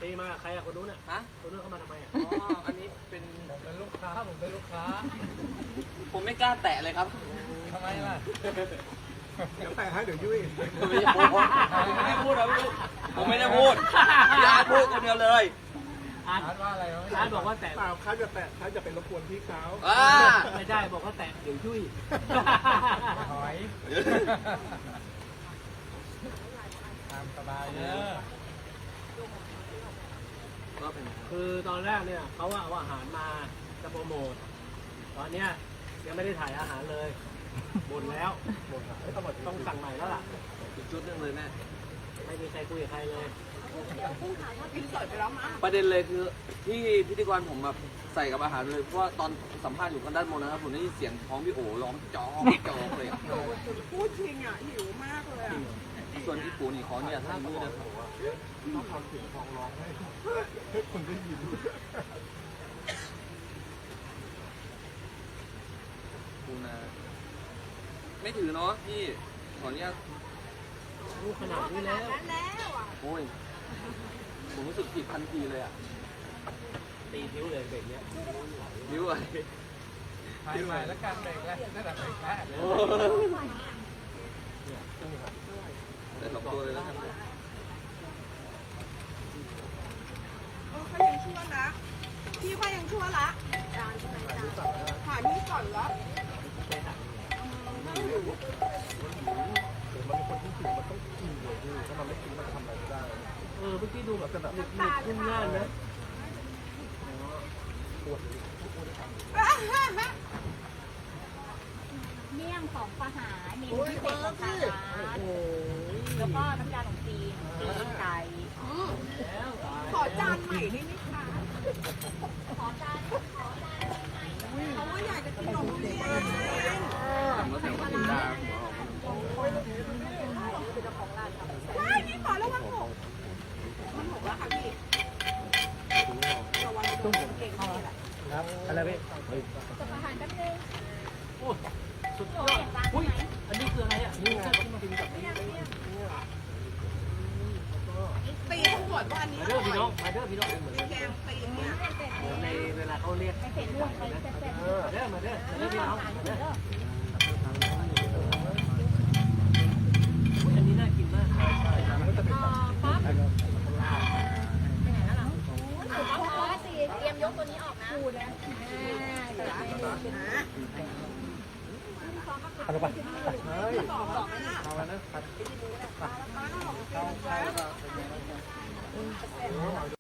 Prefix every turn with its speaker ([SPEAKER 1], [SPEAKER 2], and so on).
[SPEAKER 1] ตีมาใครอะคนนู้นอะ
[SPEAKER 2] ฮะ
[SPEAKER 1] คนนู้นเข้ามาทำไมอะ
[SPEAKER 2] อ๋ออันนี้เป็น
[SPEAKER 3] ผมเป็นลูกค้า
[SPEAKER 2] ผมไม่กล้าแตะเลยครับ
[SPEAKER 3] ทำไมล่ะ
[SPEAKER 4] เดี๋ยวแต่ให้เดี๋ยวยุ่ย
[SPEAKER 2] ผมไม่ได้พูดครับผมไม่ได้พูดพี่อาร์ตพูดคนเดียวเลย
[SPEAKER 1] อาร์ต
[SPEAKER 3] อาร์ตว่าอะไรวะ
[SPEAKER 1] อาร์ตบอกว่าแตะ
[SPEAKER 4] เปล่าเขาจะแตะเขาจะเป็นรบกวนพี่เขา
[SPEAKER 2] อ่า
[SPEAKER 1] ไม่ได้บอกว่าแตะเดี๋ยวยุ่ย
[SPEAKER 3] ถอยตามสบายเนอะ
[SPEAKER 2] ก็เป็น
[SPEAKER 1] คือตอนแรกเนี่ยเขาว่าเอาอาหารมาจะโปรโมทตอนเนี้ยยังไม่ได้ถ่ายอาหารเลยบ่นแล้วบ่นว่าต้องสั่งใหม่แล้วล่ะ
[SPEAKER 2] อีกชุดหนึงเลยแม่
[SPEAKER 1] ไม่มีใครคุยกับใครเลย
[SPEAKER 2] ประเด็นเลยคือที่พิธีกรผมแบบใส่กับอาหารเลยเพราะว่าตอนสัมภาษณ์อยู่กันด้านบนนะครับผมได้ยินเสียงท้องพี่โอ๋ร้องจอกจอกเลยอะ
[SPEAKER 5] พูดจริงอ่ะหิวมากเลยอ่ะ
[SPEAKER 2] ส่วนพี่ปูนี่ขอเนี่ยท่านมือนะครับ
[SPEAKER 4] ต้องทำเสียงทองร้องให้คนได้ยิน
[SPEAKER 2] ปูนาไม่ถือเนาะพี่ขอเนี่ย
[SPEAKER 1] รู้ขนาดนี้แล้ว
[SPEAKER 5] นั้นแล้วอ่ะ
[SPEAKER 2] โอ้ยผมรู้สึกผิดทันทีเลยอ่ะ
[SPEAKER 1] ตีทิ้วเลยเบรกเนี้ย
[SPEAKER 2] นิ้วอะไร
[SPEAKER 3] ถ่ายใหม่แล้วกันเบรกแล้วนั่นแหละเบรกแรก
[SPEAKER 2] แต่สองตัวเลยแล้วกัน
[SPEAKER 5] เขายังชั่วนะพี่เขายังชั่วละหานี่ก่อนละ
[SPEAKER 4] มันเป็นคนที่หิวมันต้องกินเลยพี่ถ้ามันไม่กินมันทำอะไรไม่ได้
[SPEAKER 1] เมื่อกี้ดูแบบหนึบพุ่งง่านนะ
[SPEAKER 6] เมี่ยงของปลาหาเมนูพิเศษของทางร้านแล้วก็น้ำยาขนมจีนตีนไก่
[SPEAKER 1] แล้วตาย
[SPEAKER 5] ขอจานใหม่ได้ไหมคะ
[SPEAKER 6] ขอจาน
[SPEAKER 5] เพราะว่าอยากจะกินขนมจีน
[SPEAKER 2] ทำแล้วแต่ว่ากินได้หัวออก
[SPEAKER 5] ว้ายนี่ขอแล้วมันหกมันหกแล้วค่ะพี่ระวังโดนเก่งนี่แหละ
[SPEAKER 1] ครับอะไรพี่
[SPEAKER 6] จะอาหารแป๊บนึง
[SPEAKER 1] โอ้สุดย
[SPEAKER 6] โอ้
[SPEAKER 1] อด
[SPEAKER 6] ยร้าน
[SPEAKER 1] อุ้ย
[SPEAKER 6] ไหน
[SPEAKER 1] อันนี้คืออะไรอ่ะนี่ไงกินกับนี่
[SPEAKER 5] ตีทั้งหมดว่าอันนี้
[SPEAKER 1] มา
[SPEAKER 5] อ
[SPEAKER 1] เด้อ
[SPEAKER 5] ร่
[SPEAKER 1] พี่น้อ
[SPEAKER 5] อง ย
[SPEAKER 1] มาเด้อพี่น้องเหมือน
[SPEAKER 5] แกงตีเนี่ย
[SPEAKER 1] ในเวลาเขาเรียก
[SPEAKER 6] ไม่เผ็ดด้วยไปแซ่บๆ
[SPEAKER 1] มาเด้อมาเด้อมาเด้อพี่น้องมาเด้ออันนี้น่ากินมาก
[SPEAKER 6] ป๊อปไปไหนแล้วล่ะป๊อปสิเตรียมยกตัวนี้ออกนะพูดนะ
[SPEAKER 4] เอาแล้วนะ